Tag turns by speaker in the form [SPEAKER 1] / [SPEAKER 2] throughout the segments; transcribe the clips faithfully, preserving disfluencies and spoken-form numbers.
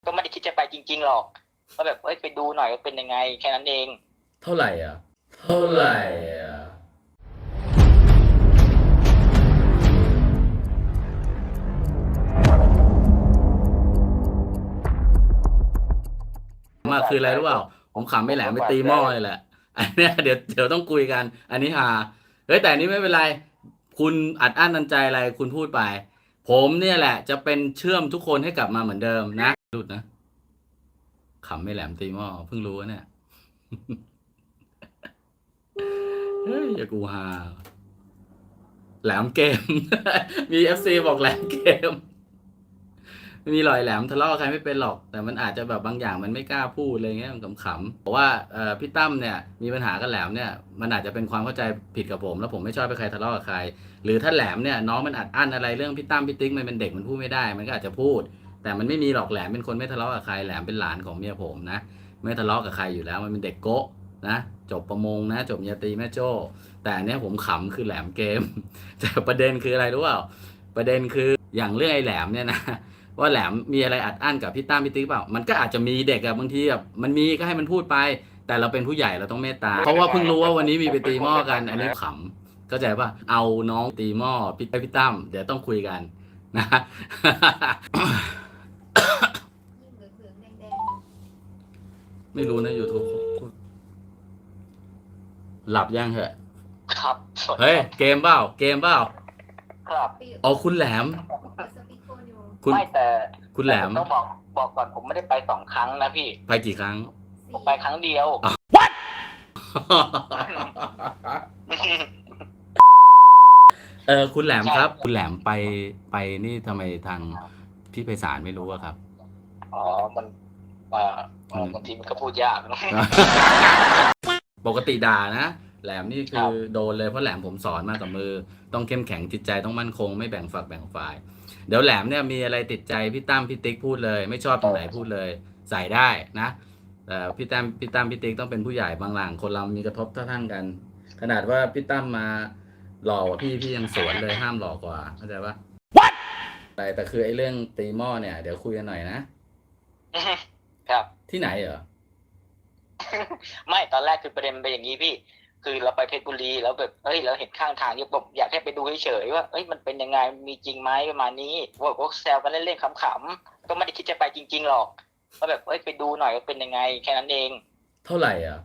[SPEAKER 1] ก็ไม่ได้คิดจะไปจริงๆหรอกก็แบบเอ้ยไปดูหน่อยว่าเป็นยังไงแค่นั้นเอง
[SPEAKER 2] เท่าไหร่อ่ะเท่าไหร่อ่ะมาคืออะไรรู้เปล่าผมขำไม่แหลมไปตีหม้อเลยแหละอันเนี้ยเดี๋ยวเดี๋ยวต้องคุยกันอันนี้ฮาเฮ้ยแต่อันนี้ไม่เป็นไรคุณอัดอั้นตันใจอะไรคุณพูดไปผมเนี่ยแหละจะเป็นเชื่อมทุกคนให้กลับมาเหมือนเดิมนะหลุดนะขำไม่แหลมตีหม้อเพิ่งรู้เนี่ยเฮ้ยอย่ากูฮาแหลมเกม มีเอฟซีบอกแหลมเกมไม่มีรอยแหลมทะเลาะกับใครไม่เป็นหรอกแต่มันอาจจะแบบบางอย่างมันไม่กล้าพูดอะไรเงี้ยมันขำๆบอกว่าเอ่อพี่ตั้มเนี่ยมีปัญหากับแหลมเนี่ยมันอาจจะเป็นความเข้าใจผิดกับผมแล้วผมไม่ชอบให้ใครทะเลาะกับใครหรือถ้าแหลมเนี่ยน้องมันอัดอั้นอะไรเรื่องพี่ตั้มพี่ติ๊กมันเป็นเด็กมันพูดไม่ได้มันก็อาจจะพูดแต่มันไม่มีหรอกแหลมเป็นคนไม่ทะเลาะกับใครแหลมเป็นหลานของเมียผมนะไม่ทะเลาะกับใครอยู่แล้วมันเป็นเด็กโก๊ะนะจบประมงนะจบปริญญาตรีแม่โจ้แต่อันเนี้ยผมขำคือแหลมเกม แต่ประเด็นคืออะไรรู้เปล่าประเด็นคืออย่างเรื่องไอ้แหลมเนี่ยนะว่าแหลมมีอะไรอัดอั้นกับพี่ตั้มพี่ติ๊กเปล่ามันก็อาจจะมีเด็กอะบางทีแบบมันมีก็ให้มันพูดไปแต่เราเป็นผู้ใหญ่เราต้องเมตตาเพราะว่าเพิ่งรู้ว่าวันนี้มีไปตีหม้อกันอันนี้ขำเข้าใจป่ะเอาน้องตีหม้อพี่พี่ตั้มเดี๋ยวต้องคุยกันนะ ไม่รู้นะ YouTube หลับยังเหรอ
[SPEAKER 1] ครับ
[SPEAKER 2] เฮ้ยเกมเปล่าเกมเปล่า
[SPEAKER 1] ครับ
[SPEAKER 2] อ๋อคุณแหลมคุณ
[SPEAKER 1] ไม่แต่
[SPEAKER 2] คุณแหลม
[SPEAKER 1] ต้องบอกบอกก่อนผมไม่ได้ไปสองครั้งนะพี่
[SPEAKER 2] ไปกี่ครั้ง
[SPEAKER 1] ผมไปครั้งเดียว
[SPEAKER 2] What เออคุณแหลมครับคุณแหลมไปไปนี่ทำไมทางพี่ไพศาลไม่รู้อะครับ
[SPEAKER 1] อ๋อมันอ่าบางทีมันก็พูดยากนะ
[SPEAKER 2] ปกติด่านะแหลมนี่คือโดนเลยเพราะแหลมผมสอนมากับมือต้องเข้มแข็งจิตใจต้องมั่นคงไม่แบ่งฝักแบ่งฝ่ายเดี๋ยวแหลมเนี่ยมีอะไรติดใจพี่ตั้มพี่ติ๊กพูดเลยไม่ชอบตรงไหนพูดเลยใส่ได้นะแต่พี่ตั้มพี่ตั้มพี่ติ๊กต้องเป็นผู้ใหญ่บางหลังคนเรามีกระทบเท่าทันกันขนาดว่าพี่ตั้มมาหล่อกว่าพี่พี่ยังสวนเลยห้ามหล่อกว่าเข้าใจปะ What แต่แต่คือไอ้เรื่องตีหม้อเนี่ยเดี๋ยวคุยกันหน่อยนะครับที่ไหนเหรอ
[SPEAKER 1] ไม่ตอนแรกคือประเด็นเป็นอย่างนี้พี่คือเราไปเพชรบุรีแล้วแบบเอ้ยเราเห็นข้างทางเนี่ยผมอยากให้ไปดูเฉยๆว่าเอ้ยมันเป็นยังไงมีจริงไหมประมาณนี้ว่าก็แซวกันเล่นๆขำๆก็ไม่ได้คิดจะไปจริงๆหรอกก็แบบเอ้ยไปดูหน่อยว่าเป็นยังไงแค่นั้นเอง
[SPEAKER 2] เท่าไหร่อ่ะ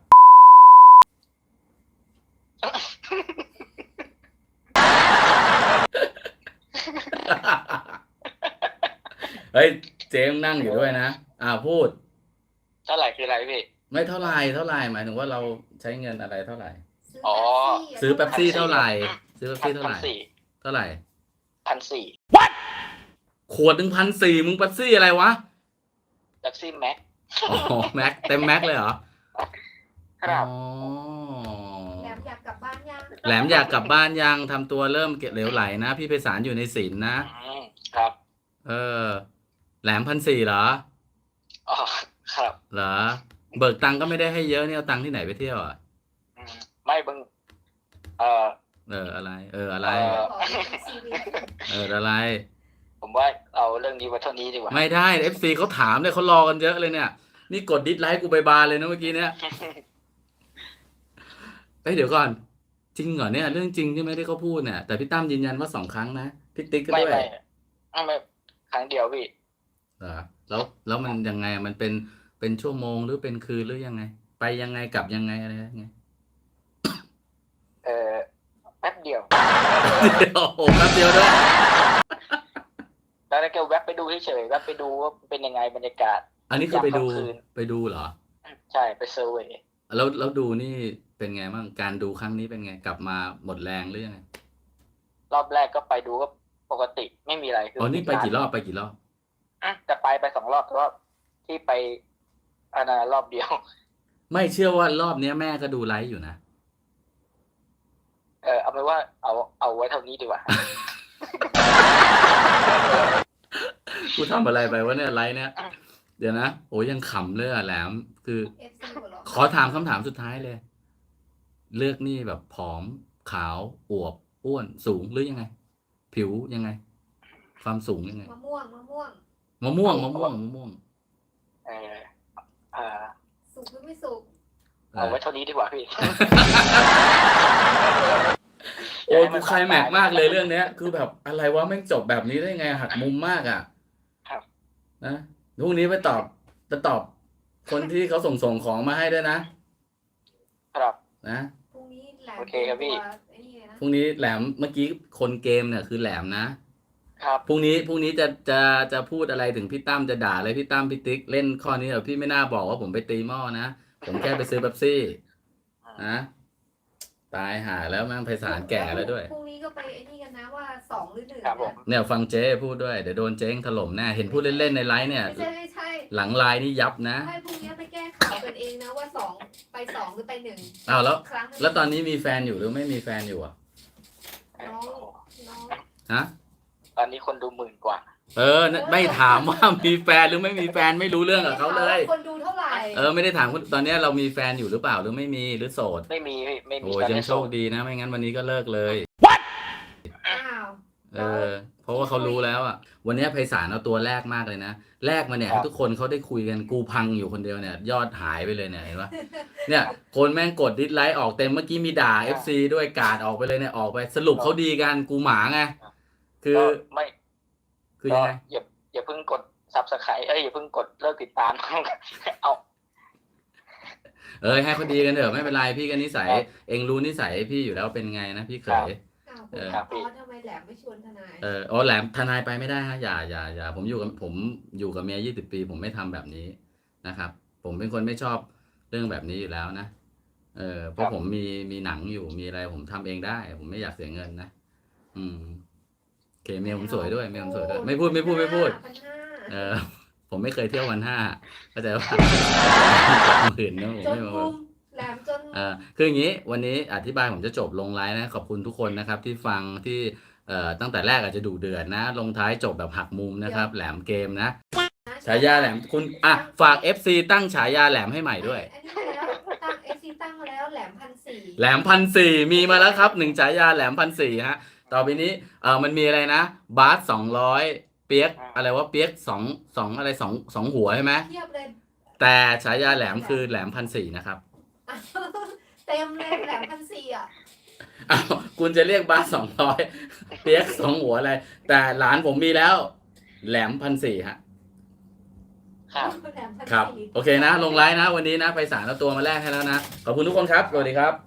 [SPEAKER 2] เฮ้ยเจ๊งนั่งอยู่ด้วยนะอ่าพูด
[SPEAKER 1] เท่าไหร่คืออะไรพี่
[SPEAKER 2] ไม่เท่าไหร่เท่าไหร่หมายถึงว่าเราใช้เงินอะไรเท่าไหร่
[SPEAKER 1] อ๋อ
[SPEAKER 2] ซื้อเป๊ปซี่เท่าไหร่ซื้อเป๊ปซี่เท่าไหร่เท่าไหร่
[SPEAKER 1] พันสี่
[SPEAKER 2] What ขวดหนึ่งพันสี่มึงเป๊ปซี่อะไรวะ
[SPEAKER 1] เป๊ปซี่แม็ก
[SPEAKER 2] อ๋อแม็กเต็มแม็กเลยเหรอ
[SPEAKER 1] ครับ
[SPEAKER 3] แหลมอยากกลับบ้านยัง
[SPEAKER 2] แหลมอยากกลับบ้านยังทำตัวเริ่มเกเหลวไหลนะพี่ไพศาลอยู่ในศีลนะครับเออแหลมพันสี่เหรอ
[SPEAKER 1] อ๋อครับ
[SPEAKER 2] เหรอเบิกตังค์ก็ไม่ได้ให้เยอะนี่เอาตังค์ที่ไหนไปเที่ยวอ่ะ
[SPEAKER 1] ไม่บึงเออ
[SPEAKER 2] เอออะไรเอออะไรเอออะไร
[SPEAKER 1] ผมว่าเอาเรื่องนี้ไว้เท่านี้ดีกว่า
[SPEAKER 2] ไม่ได้เอฟซีเขาถามเลยเขารอกันเยอะเลยเนี่ยนี่กดดิสไลค์กูไปบานเลยนะเมื่อกี้เนี่ยเอ้ยเดี๋ยวก่อนจริงเหรอเนี่ยเรื่องจริงใช่ไหมที่เขาพูดเนี่ยแต่พี่ตั้มยืนยันว่าสองครั้งนะพี่ติ๊กก็ด้วย
[SPEAKER 1] ไม่ไม่ไม่ครั้งเดียวพี่
[SPEAKER 2] เหรอแล้วแล้วมันยังไงมันเป็นเป็นชั่วโมงหรือเป็นคืนหรือยังไงไปยังไงกลับยังไงอะไรยังไง
[SPEAKER 1] เออแป๊บเดียว
[SPEAKER 2] เดี๋ยวโอ้แป๊บเดียวด้วย
[SPEAKER 1] แล้วก็แวบไปดูเฉยๆแวบไปดูว่าเป็นยังไงบรรยากาศ
[SPEAKER 2] อันนี้คือไปดูไปดูเหรอ
[SPEAKER 1] ใช่ไปเซอร์เวย์
[SPEAKER 2] แล้วแล้วดูนี่เป็นไงบ้างการดูครั้งนี้เป็นไงกลับมาหมดแรงหรือยังไง
[SPEAKER 1] รอบแรกก็ไปดูก็ปกติไม่มีอะไร
[SPEAKER 2] อ๋อนี่ไปกี่รอบไปกี่รอบ
[SPEAKER 1] แต่ไปไปสองรอบแต่ว่าที่ไปอันนั้นรอบเดียว
[SPEAKER 2] ไม่เชื่อว่ารอบนี้แม่ก็ดูไลฟ์อยู่นะ
[SPEAKER 1] เออเอาไปว่าเอาเอาไว้เท่านี้ดีกว่า
[SPEAKER 2] กูทำอะไรไปวะเนี่ยไลฟ์เนี่ยเดี๋ยวนะโอ้ยังขำเลยอ่ะแหลมคือขอถามคำถามสุดท้ายเลยเลือกนี่แบบผอมขาวอวบอ้วนสูงหรือยังไงผิวยังไงความสูงยังไง
[SPEAKER 3] มะม่วงมะม่วง
[SPEAKER 2] มะม่วงมะม่วงมะม่วง
[SPEAKER 1] เอาไว้เท่านี้ดีกว่าพี่
[SPEAKER 2] โอ้กูไคลแม็กซ์มากเลยเรื่องเนี้ย คือแบบอะไรวะแม่งจบแบบนี้ได้ไงหักมุมมากอ่ะ
[SPEAKER 1] ครับ
[SPEAKER 2] นะพรุ่งนี้ไปตอบจะตอบคนที่เขาส่งส่งของมาให้ด้วยนะครับ นะ
[SPEAKER 3] พรุ่งนี้แหลม
[SPEAKER 1] โอเคครับพี่
[SPEAKER 3] ตัวไอ้นี่เลยนะ
[SPEAKER 2] พรุ่งนี้แหลมเมื่อกี้คนเกมเนี่ยคือแหลมนะครับ
[SPEAKER 1] ครับ
[SPEAKER 2] พรุ่งนี้พรุ่งนี้จะจะจะพูดอะไรถึงพี่ตั้มจะด่าอะไรพี่ตั้มพี่ติ๊กเล่นข้อนี้เหรอพี่ไม่น่าบอกว่าผมไปตีหม้อนะผมแค่ไปซื้อเป๊ปซี่นะตายหาแล้วแม่งไพศาลแก่แล้วด้วย
[SPEAKER 3] พรุ่งนี้ก็ไปไอ้นี่กันนะว่าสองหรือหนึ่ง
[SPEAKER 1] ครับผม
[SPEAKER 3] นะ
[SPEAKER 2] เนี่ยฟังเจ๊พูดด้วยเดี๋ยวโดนเจ๊งถล่มแน่เห็นพูดเล่นๆในไลฟ์เนี่ย
[SPEAKER 3] ไม่ใช่ไม่ใช่
[SPEAKER 2] หลังไลน์นี่ยับนะ
[SPEAKER 3] ให้พรุ่งนี้ไปแก้ข่าวกันเองนะว่าสองไปสองหรือไปหนึ่ง
[SPEAKER 2] อ้าวแล้ว
[SPEAKER 3] ครั้งหง
[SPEAKER 2] แล้วตอนนี้มีแฟนอยู่หรือไม่มีแฟนอยู่อ่ะ
[SPEAKER 3] น้องน้อง
[SPEAKER 2] ฮะ
[SPEAKER 1] ตอนนี้คนดูหมื่นกว่า
[SPEAKER 2] เออไม่ถามว่ามีแฟนหรือไม่มีแฟนไม่รู้เรื่องกับเขาเลย
[SPEAKER 3] คนดูเท่าไหร่
[SPEAKER 2] เออไม่ได้ถามคุณตอนนี้เรามีแฟนอยู่หรือเปล่าหรือไม่มีหรือโสด
[SPEAKER 1] ไม่มีพี่ไม่มี
[SPEAKER 2] โอ้ย
[SPEAKER 1] ตอน
[SPEAKER 2] ยัง
[SPEAKER 1] นี้
[SPEAKER 2] โชคดีนะไม่งั้นวันนี้ก็เลิกเลย
[SPEAKER 3] อ้าว
[SPEAKER 2] เออเพราะว่าเขารู้แล้วอ่ะวันนี้ไพศาลเอาตัวแรกมากเลยนะแรกมาเนี่ยให้ทุกคนเขาได้คุยกันกูพังอยู่คนเดียวเนี่ยยอดหายไปเลยเนี่ยเห็นปะเนี่ยคนแม่งกดดิสไลค์ออกเต็มเมื่อกี้มีด่า เอฟ ซี ด้วยกาดออกไปเลยเนี่ยออกไปสรุปเขาดีกันกูหมาไงคือ
[SPEAKER 1] ก็ไม่
[SPEAKER 2] คือยังไง
[SPEAKER 1] ก็อย่าอย่าเพิ่งกดซับสไครต์เอ้ยอย่าเพิ่งกดเลิกติดตาม เอา
[SPEAKER 2] เออให้เขาดีกันเถอะไม่เป็นไรพี่ก็นิสัยเองรู้นิสัยพี่อยู่แล้วเป็นไงนะพี่เขย
[SPEAKER 3] อ้าว
[SPEAKER 2] เออ
[SPEAKER 3] คุณอ๋อทำไมแหลมไม่ชวนทนาย
[SPEAKER 2] เอออ๋อแหลมทนายไปไม่ได้ฮะอย่าอย่าอย่าผมอยู่กับผมอยู่กับเมียยี่สิบปีผมไม่ทำแบบนี้นะครับ ผมเป็นคนไม่ชอบเรื่องแบบนี้อยู่แล้วนะเออเพราะผมมีมีหนังอยู่มีอะไรผมทำเองได้ ผมไม่อยากเสียเงินนะอืมโอเคเมียผมสวยด้วยเมียผมสวยด้วยไม่พูดไม่พูดไม่พูด
[SPEAKER 3] พันห้า
[SPEAKER 2] เออ ผมไม่เคยเที่ยววันห้าเข้าใจว่าหมื่นนะผม
[SPEAKER 3] จน
[SPEAKER 2] ไม่มา
[SPEAKER 3] มุมแหลมจน
[SPEAKER 2] เออคืออย่างนี้วันนี้อธิบายผมจะจบลงไลน์นะขอบคุณทุกคนนะครับ ที่ฟังที่เอ่อตั้งแต่แรกอาจจะดูเดือดนะ ลงท้ายจบแบบหักมุมนะครับ แหลมเกมนะฉายาแหลมคุณอ่ะฝาก เอฟ ซี ตั้งฉายาแหลมให้ใหม่ด้วย
[SPEAKER 3] อันนี้มาแล้วตั้งเอซีตั้งมาแล้วแหลมพันสี่
[SPEAKER 2] แหลมพันสี่มีมาแล้วครับหนึ่งฉายาแหลมพันสี่ฮะต่อไปนี้เออมันมีอะไรนะบาสสองร้อยเปียกอะไรว่าเปียกสองสองอะไรสองสองหัวใช่ไหม
[SPEAKER 3] เทียบเลย
[SPEAKER 2] แต่ฉายาแหลมคือแหลมพันสี่นะครับ
[SPEAKER 3] เต็มเลยแหลมพันสี่อ่ะ
[SPEAKER 2] อ้าวคุณจะเรียกบาสสองร้อยเปียกสองหัวอะไร แต่หลานผมมีแล้ว แหลมพันสี่ฮะ
[SPEAKER 1] ครับ
[SPEAKER 3] แหลมพัน
[SPEAKER 2] ครับ
[SPEAKER 3] สี่
[SPEAKER 2] โอเคนะ ลงไลน์นะ วันนี้นะไปสารเอาตัวมาแลกให้แล้วนะ ขอบคุณทุกคนครับ สวัสดีครับ